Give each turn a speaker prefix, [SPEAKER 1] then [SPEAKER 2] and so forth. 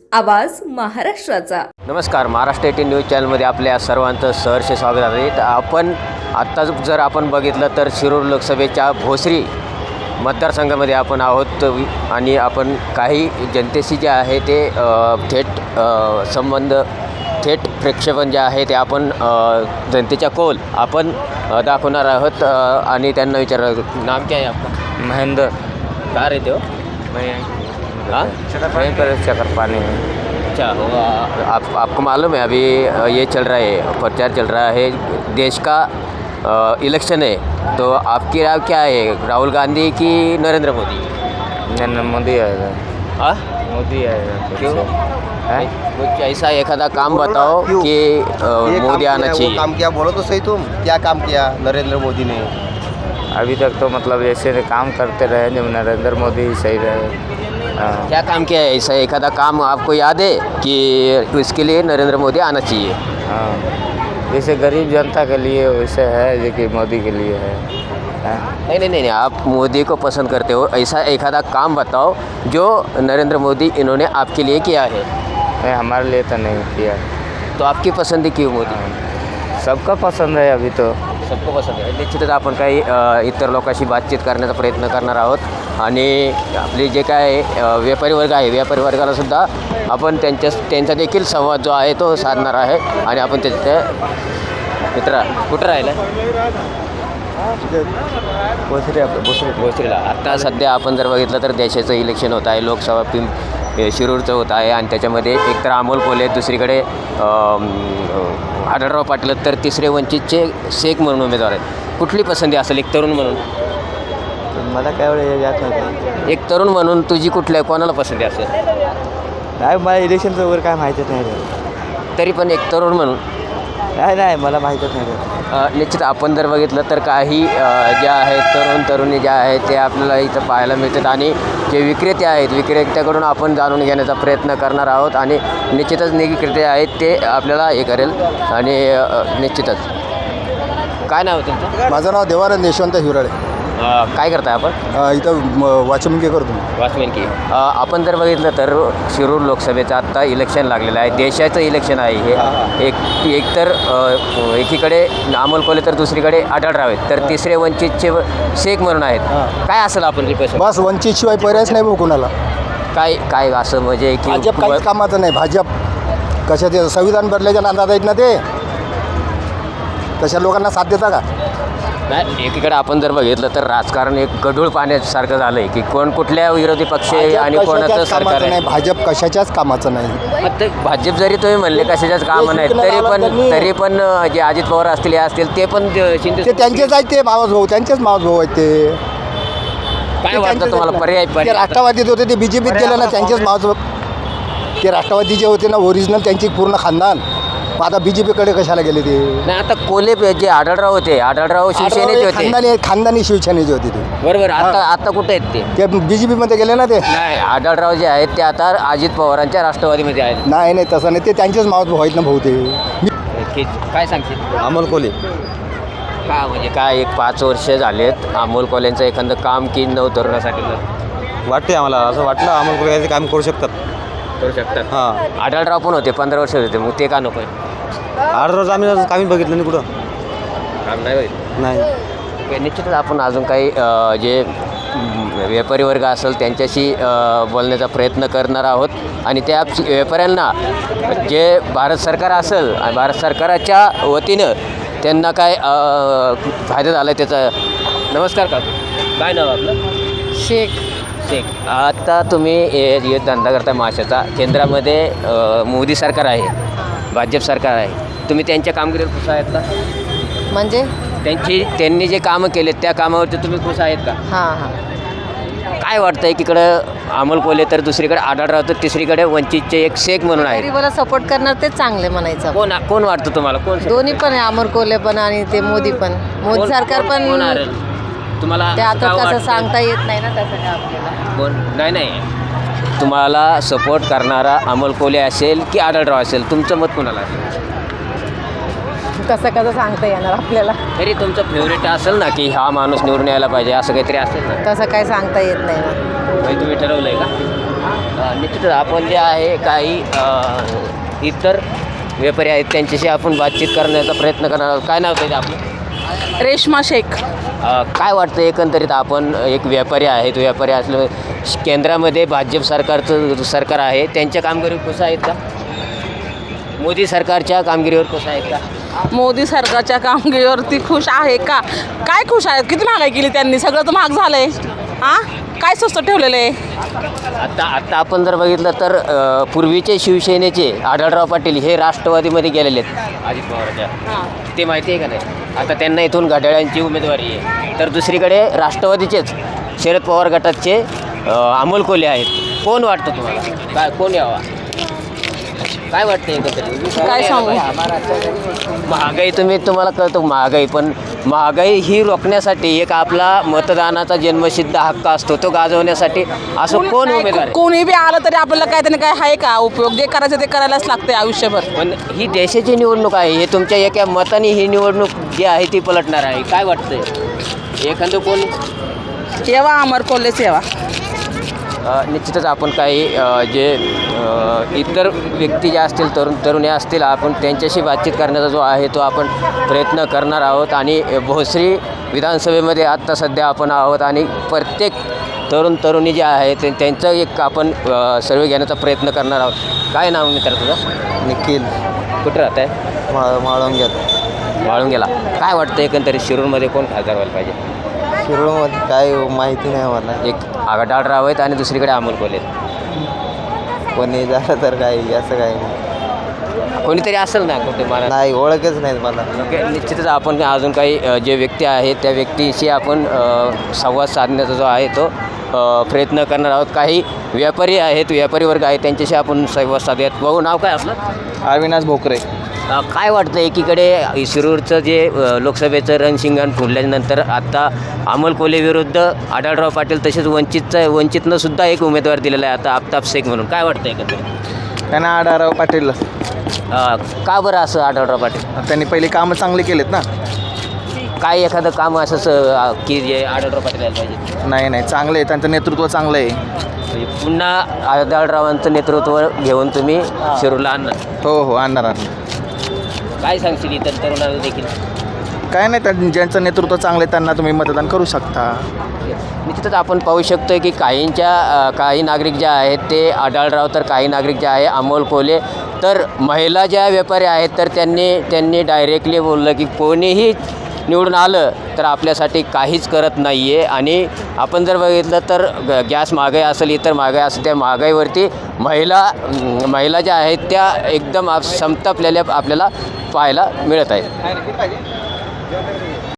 [SPEAKER 1] आवाज महाराष्ट्राचा.
[SPEAKER 2] नमस्कार, महाराष्ट्र 18 न्यूज चॅनलमध्ये आपल्या सर्वांचं सहर्ष स्वागत आहे. तर आत्ता जर आपण बघितलं तर शिरूर लोकसभेच्या भोसरी मतदारसंघामध्ये आपण आहोत आणि आपण काही जनतेशी जे आहे ते थेट प्रक्षेपण जे आहे ते आपण जनतेच्या कौल आपण दाखवणार आहोत आणि त्यांना विचारणार. नाम क्या है आपका?
[SPEAKER 3] महेंद्र.
[SPEAKER 2] कहाँ रहते हो? हाँ,
[SPEAKER 3] वहीं पर चक्कर पानी में.
[SPEAKER 2] अच्छा, आपको मालूम है अभी ये चल रहा है, प्रचार चल रहा है, देश का इलेक्शन है, तो आपकी राय क्या है, राहुल गांधी की नरेंद्र मोदी?
[SPEAKER 3] नरेंद्र मोदी आएगा.
[SPEAKER 2] हाँ,
[SPEAKER 3] मोदी आएगा.
[SPEAKER 2] क्यों?
[SPEAKER 3] है?
[SPEAKER 2] कुछ ऐसा एखादा काम बताओ
[SPEAKER 4] क्यों?
[SPEAKER 2] कि
[SPEAKER 4] ये
[SPEAKER 2] मोदी
[SPEAKER 4] काम
[SPEAKER 2] आना
[SPEAKER 4] किया,
[SPEAKER 2] चाहिए.
[SPEAKER 4] वो काम किया, बोलो तो सही तुम क्या काम किया नरेंद्र मोदी ने?
[SPEAKER 3] अभी तक तो मतलब ऐसे काम करते रहे जब नरेंद्र मोदी सही रहे. हाँ.
[SPEAKER 2] क्या काम किया है ऐसा एखादा काम आपको याद है कि इसके लिए नरेंद्र मोदी आना चाहिए?
[SPEAKER 3] हाँ, जैसे गरीब जनता के लिए वैसे है जो कि मोदी के लिए है. हाँ.
[SPEAKER 2] नहीं, आप मोदी को पसंद करते हो, ऐसा एखादा काम बताओ जो नरेंद्र मोदी इन्होंने आपके लिए किया है.
[SPEAKER 3] नहीं, हमारे लिए तो नहीं किया.
[SPEAKER 2] तो आपकी पसंदी क्यों मोदी?
[SPEAKER 3] हाँ. सबका पसंद है अभी तो.
[SPEAKER 2] सबको पसंद आहे. निश्चितच आपण काही इतर लोकांशी बातचीत करण्याचा प्रयत्न करणार आहोत आणि आपले जे काय व्यापारी वर्ग आहे, व्यापारी वर्गालासुद्धा आपण त्यांचा देखील संवाद जो आहे तो साधणार आहे आणि आपण त्याच्या मित्रा कुठं राहिला? भोसरीला. आत्ता सध्या आपण जर बघितलं तर देशाचं इलेक्शन होत आहे, लोकसभा शिरूरचं होत आहे आणि त्याच्यामध्ये एकतर अमोल कोल्हे, दुसरीकडे आढळराव पाटील, तर तिसरे वंचितचे शेख म्हणून उमेदवार आहेत. कुठली पसंती असेल एक तरुण म्हणून?
[SPEAKER 3] मला काय एवढं याद नाही.
[SPEAKER 2] एक तरुण म्हणून तुझी कुठल्या कोणाला पसंती असेल?
[SPEAKER 3] नाही, मला इलेक्शनचं वगैरे काय माहितीच नाही.
[SPEAKER 2] तरी पण एक तरुण म्हणून
[SPEAKER 3] नाही, मला माहीतच नाही.
[SPEAKER 2] निश्चित आपण जर बघितलं तर काही ज्या आहेत तरुणी ज्या आहेत ते आपल्याला इथं पाहायला मिळतात आणि जे विक्रेते आहेत विक्रेत्याकडून आपण जाणून घेण्याचा प्रयत्न करणार आहोत आणि निश्चितच विक्रेते आहेत ते आपल्याला हे करेल आणि निश्चितच. काय नाव आहे तुमचं?
[SPEAKER 4] माझं नाव देवानंद यशवंत हिवराळे.
[SPEAKER 2] काय करताय आपण?
[SPEAKER 4] इथं वॉचमन करतो.
[SPEAKER 2] वॉचमॅन की. आपण जर बघितलं तर शिरूर लोकसभेचं आत्ता इलेक्शन लागलेलं आहे, देशाचं इलेक्शन आहे हे. एकतर एकीकडे अमोल कोल्हे तर दुसरीकडे आढळराव आहेत, तर तिसरे वंचितचे शेख म्हणून आहेत. काय असेल आपण रिक्वेस्ट?
[SPEAKER 4] बस वंचितशिवाय पर्यायच नाही भाऊ कोणाला.
[SPEAKER 2] काय असं म्हणजे की
[SPEAKER 4] भाजप काहीच कामाचं नाही. भाजप कशाचे संविधान बदलायच्या नादात आहेत ना ते, तशा लोकांना साथ देता का?
[SPEAKER 2] नाही, एकीकडे आपण जर बघितलं तर राजकारण एक गढूळ पाण्यासारखं झालं आहे की कोण कुठल्या विरोधी पक्ष आणि कोणाचं सरकार आहे.
[SPEAKER 4] नाही, भाजप कशाच्याच कामाचं नाही.
[SPEAKER 2] मग ते भाजप जरी तुम्ही म्हणले कशाच्याच कामं नाहीत तरी पण जे अजित पवार असतील हे असतील ते पण शिंदे
[SPEAKER 4] ते त्यांचेच आहेत, ते मावस भाऊ, त्यांचेच मावस भाऊ आहेत ते.
[SPEAKER 2] काय वाटतं तुम्हाला पर्याय?
[SPEAKER 4] ते राष्ट्रवादीत होते, ते बीजेपीत गेले ना, त्यांचेच मावस भाऊ. ते राष्ट्रवादी जे होते ना ओरिजिनल, त्यांची पूर्ण खानदान. आता बीजेपीकडे कशाला गेले ते?
[SPEAKER 2] नाही, आता कोल्हे जे आढळराव होते, आढळराव शिवसेनेचे होते,
[SPEAKER 4] खानदानी शिवसेनेचे होते ते.
[SPEAKER 2] बरोबर. आता कुठे आहेत ते?
[SPEAKER 4] बीजेपीमध्ये गेले ना ते.
[SPEAKER 2] नाही, आढळराव जे आहेत ते आता अजित पवारांच्या राष्ट्रवादीमध्ये आहेत.
[SPEAKER 4] नाही, तसं नाही, ते त्यांचेच मावस भाऊ आहेत ना भाऊ ते.
[SPEAKER 2] काय सांगतील?
[SPEAKER 4] अमोल कोल्हे.
[SPEAKER 2] का म्हणजे काय एक 5 वर्ष झालेत अमोल कोल्हेंचं एखादं काम की तरुणासाठी
[SPEAKER 5] वाटते आम्हाला, असं वाटलं अमोल कोल्हे याचे काम करू शकतात.
[SPEAKER 2] हां, आढळराव पण होते 15 वर्ष होते, मग ते का नको?
[SPEAKER 5] 8 रोज आम्ही कामी बघितलं नाही कुठं.
[SPEAKER 2] काम नाही होईल.
[SPEAKER 5] नाही,
[SPEAKER 2] निश्चितच आपण अजून काही जे व्यापारी वर्ग असेल त्यांच्याशी बोलण्याचा प्रयत्न करणार आहोत आणि त्या व्यापाऱ्यांना जे भारत सरकार असेल आणि भारत सरकाराच्या वतीनं त्यांना काय फायदा झाला त्याचा. नमस्कार का, काय नाव आपलं?
[SPEAKER 6] शेख.
[SPEAKER 2] आता तुम्ही हे धंदा करता माशाचा, केंद्रामध्ये मोदी सरकार आहे, भाजप सरकार आहे, तुम्ही त्यांच्या कामगिरीवर खुश आहेत का?
[SPEAKER 6] म्हणजे
[SPEAKER 2] त्यांनी जे कामं केलेत त्या कामावरती तुम्ही खुश आहेत का?
[SPEAKER 6] हां.
[SPEAKER 2] काय वाटतं एकीकडं अमोल कोल्हे तर दुसरीकडे आढळराव तर तिसरीकडे वंचितचे एक शेख म्हणून आहे.
[SPEAKER 6] गरीबाला सपोर्ट करणार ते चांगले म्हणायचं.
[SPEAKER 2] कोण वाटतं तुम्हाला? कोण?
[SPEAKER 6] दोन्ही पण आहे, अमोल कोल्हे पण आणि ते मोदी पण. मोदी सरकार पण
[SPEAKER 2] तुम्हाला
[SPEAKER 6] ते आता कसं सांगता येत नाही ना तसं काय आपल्याला.
[SPEAKER 2] कोण? नाही, तुम्हाला सपोर्ट करणारा अमोल कोल्हे असेल की आढळराव असेल, तुमचं मत कोणाला असेल?
[SPEAKER 6] कसं सांगता येणार आपल्याला.
[SPEAKER 2] तरी तुमचं फेवरेट असेल ना की हा माणूस निवडून यायला पाहिजे असं काहीतरी असेल ना?
[SPEAKER 6] तसं काय सांगता येत नाही ना.
[SPEAKER 2] तुम्ही ठरवलंय का? निश्चितच आपण जे आहे काही इतर व्यापारी आहेत त्यांच्याशी आपण बातचीत करण्याचा प्रयत्न करणार आहोत. काय नाव आहे आपलं?
[SPEAKER 7] रेश्मा शेख.
[SPEAKER 2] काय वाटतं एकंदरीत आपण एक व्यापारी आहेत, व्यापारी असलं केंद्रामध्ये भाजप सरकार आहे, त्यांच्या कामगिरीवर खुश आहेत का? मोदी सरकारच्या कामगिरीवर खुश आहेत का?
[SPEAKER 7] मोदी सरकारच्या कामगिरीवरती खुश आहे का? काय खुश आहेत? किती महागाई केली त्यांनी, सगळं तर महाग झालं आहे. हां, काय स्वस्त ठेवलेलं आहे?
[SPEAKER 2] आत्ता आपण जर बघितलं तर पूर्वीचे शिवसेनेचे आढळराव पाटील हे राष्ट्रवादीमध्ये गेलेले आहेत अजित पवारच्या, ते माहिती आहे का नाही? आता त्यांना इथून घड्याळांची उमेदवारी आहे. तर दुसरीकडे राष्ट्रवादीचेच शरद पवार गटाचे अमोल कोल्हे आहेत. कोण वाटतं तुम्हाला? काय कोण यावा? काय वाटतं एकंदरीत?
[SPEAKER 7] काय सांगू?
[SPEAKER 2] महागाई तुम्हाला कळतं महागाई, पण महागाई ही रोखण्यासाठी एक आपला मतदानाचा जन्मसिद्ध हक्क असतो, तो गाजवण्यासाठी असं कोण उमेदवार आहे?
[SPEAKER 7] कोणी बी आलं तरी आपल्याला काय त्याने काय आहे का उपयोग? जे करायचं ते करायलाच लागते आयुष्यभर.
[SPEAKER 2] पण ही देशाची निवडणूक आहे, हे तुमच्या एका मताने ही निवडणूक जी आहे ती पलटणार आहे. काय वाटतंय एखादं कोण?
[SPEAKER 7] येवा अमर कोल्हेच येवा.
[SPEAKER 2] निश्चितच आपण काही जे इतर व्यक्ती ज्या असतील तरुणी असतील आपण त्यांच्याशी बातचीत करण्याचा जो आहे तो आपण प्रयत्न करणार आहोत. आणि भोसरी विधानसभेमध्ये आत्ता सध्या आपण आहोत आणि प्रत्येक तरुणी जे आहे त्यांचं एक आपण सर्वे घेण्याचा प्रयत्न करणार आहोत. काय नाव मित्र तुझं?
[SPEAKER 3] निखिल
[SPEAKER 2] कुठं राहत आहे?
[SPEAKER 3] माळुंग्यात.
[SPEAKER 2] वाळून गेला. काय वाटतं एकंदरीत शिरूरमध्ये कोण खासदार व्हायला पाहिजे?
[SPEAKER 3] शिरूरमध्ये काय माहिती नाही मला.
[SPEAKER 2] एक आढळराव आहेत आणि दुसरीकडे अमोल कोल्हे आहेत.
[SPEAKER 3] कोणी झालं तर काही असं काही नाही.
[SPEAKER 2] कोणीतरी असेल ना कुठे मला
[SPEAKER 3] नाही, ओळखच नाही मला.
[SPEAKER 2] निश्चितच आपण अजून काही जे व्यक्ती आहेत त्या व्यक्तीशी आपण संवाद साधण्याचा जो आहे तो प्रयत्न करणार आहोत. काही व्यापारी आहेत, व्यापारी वर्ग आहेत, त्यांच्याशी आपण संवाद साधूयात. भाऊ, नाव काय आपलं?
[SPEAKER 5] अविनाश भोकरे.
[SPEAKER 2] काय वाटतं एकीकडे शिरूरचं जे लोकसभेचं रणशिंगण फुडल्यानंतर आत्ता अमोल कोल्हे विरुद्ध आढळराव पाटील तसेच वंचितनं सुद्धा एक उमेदवार दिलेला आहे आता आफताब शेख म्हणून. काय वाटतं एकंदरीत?
[SPEAKER 5] त्यांना आढळराव पाटील.
[SPEAKER 2] का बरं असं आढळराव पाटील?
[SPEAKER 5] त्यांनी पहिले कामं चांगले केलेत ना.
[SPEAKER 2] काय एखादं काम असंच की जे आढळराव पाटील यायला पाहिजे?
[SPEAKER 5] नाही, चांगलं आहे, त्यांचं नेतृत्व चांगलं आहे.
[SPEAKER 2] म्हणजे पुन्हा आढळरावांचं नेतृत्व घेऊन तुम्ही शिरूरला आणणार?
[SPEAKER 5] हो, आणणार.
[SPEAKER 2] काय सांगशील इतर तरुणांना देखील?
[SPEAKER 5] काय नाही, ज्यांचं नेतृत्व चांगलं आहे त्यांना तुम्ही मतदान करू शकता.
[SPEAKER 2] निश्चितच आपण पाहू शकतो की काही नागरिक जे आहेत ते आढळराव, तर काही नागरिक जे आहे अमोल कोल्हे, तर महिला ज्या व्यापारी आहेत तर त्यांनी डायरेक्टली बोललं की कोणीही निवडून आलं तर आपल्यासाठी काहीच करत नाही आहे. आणि आपण जर बघितलं तर गॅस महागाई असेल, इतर महागाई असेल, त्या महागाईवरती महिला ज्या आहेत त्या एकदम संतापलेल्या आपल्याला पाहायला मिळत आहेत.